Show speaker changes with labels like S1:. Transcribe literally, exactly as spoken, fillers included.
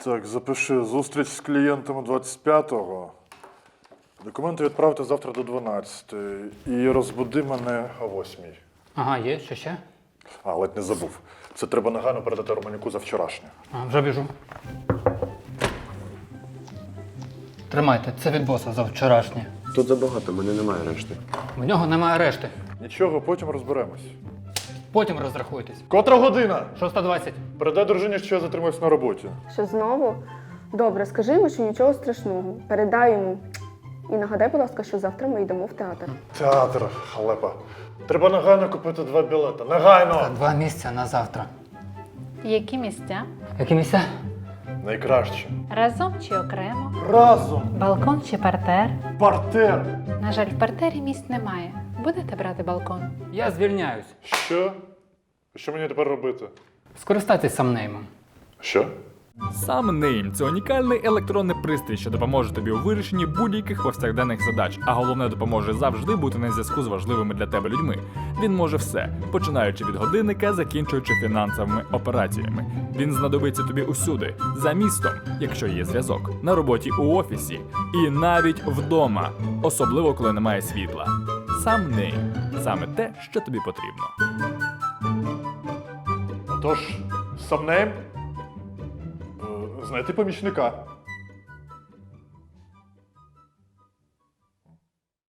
S1: Так, запиши. Зустріч з клієнтом двадцять п'ятого. Документи відправте завтра до дванадцятої. І розбуди мене о восьмій.
S2: Ага, є, що ще?
S1: А, ледь не забув. Це треба негайно передати Романюку за вчорашнє.
S2: А, вже біжу. Тримайте, це від боса за вчорашнє.
S3: Тут забагато, в мене немає решти.
S2: В нього немає решти.
S1: Нічого, потім розберемось.
S2: Потім розрахуйтесь.
S1: Котра година?
S2: шоста двадцять.
S1: Передай дружині, що я затримуюсь на роботі.
S4: Що знову? Добре, скажи йому, що нічого страшного. Передай йому. І нагадай, будь ласка, що завтра ми йдемо в театр.
S1: Театр, халепа. Треба негайно купити два білети. Негайно!
S2: Два місця на завтра.
S5: Які місця?
S2: Які місця?
S1: Найкраще.
S5: Разом чи окремо?
S1: Разом!
S5: Балкон чи партер?
S1: Партер!
S5: На жаль, в партері місць немає. Будете брати балкон?
S2: Я звільняюсь.
S1: Що? Що мені тепер робити?
S2: Скористайтесь самнеймом.
S1: Що?
S6: SomeName – це унікальний електронний пристрій, що допоможе тобі у вирішенні будь-яких повсякденних задач, а головне допоможе завжди бути на зв'язку з важливими для тебе людьми. Він може все, починаючи від годинника, закінчуючи фінансовими операціями. Він знадобиться тобі усюди, за містом, якщо є зв'язок, на роботі у офісі і навіть вдома, особливо коли немає світла. SomeName – саме те, що тобі потрібно.
S1: Отож, самнейм. Знайти помічника.